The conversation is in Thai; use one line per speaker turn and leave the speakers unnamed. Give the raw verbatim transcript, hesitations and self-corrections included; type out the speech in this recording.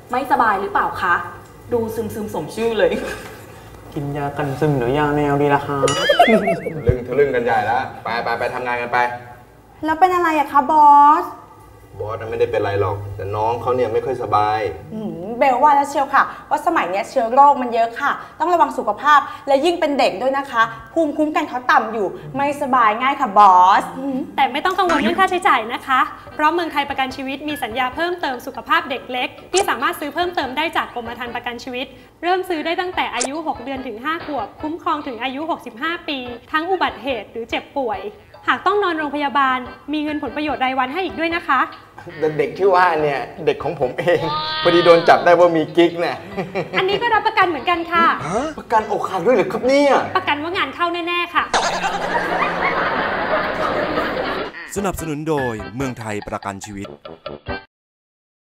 ไม่สบายหรือเปล่าคะดูซึมซึมสมชื่อเลย
กินยากันซึมหรือยาแนวดีล่ะคะ
ลึงทะลึ่งกันใหญ่แล้วไปไปไปทำงานกันไป
แล้วเป็นอะไรอะคะบอส
บอสไม่ได้เป็นไรหรอกแต่น้องเขาเนี่ยไม่ค่อยสบาย
เบลว่าแล้วเชียวค่ะว่าสมัยนี้เชื้อโรคมันเยอะค่ะต้องระวังสุขภาพและยิ่งเป็นเด็กด้วยนะคะภูมิคุ้มกันเขาต่ำอยู่ไม่สบายง่ายค่ะบอส
แต่ไม่ต้องกังวลเรื่องค่าใช้จ่ายนะคะเพราะเมืองไทยประกันชีวิตมีสัญญาเพิ่มเติมสุขภาพเด็กเล็กที่สามารถซื้อเพิ่มเติมได้จากกรมธรรม์ประกันชีวิตเริ่มซื้อได้ตั้งแต่อายุหกเดือนถึงห้าขวบคุ้มครองถึงอายุหกสิบห้าปีทั้งอุบัติเหตุหรือเจ็บป่วยหากต้องนอนโรงพยาบาลมีเงินผลประโยชน์รายวันให้อีกด้วยนะคะ
เด็กที่ว่าเนี่ยเด็กของผมเองพอดีโดนจับได้ว่ามีกิ๊กเนี่ย
อันนี้ก็รับประกันเหมือนกันค่ะ
ประกันอกหักด้วยเหรอครับเนี่ย
ประกันว่างานเข้าแน่ๆค่ะ
สนับสนุนโดยเมืองไทยประกันชีวิต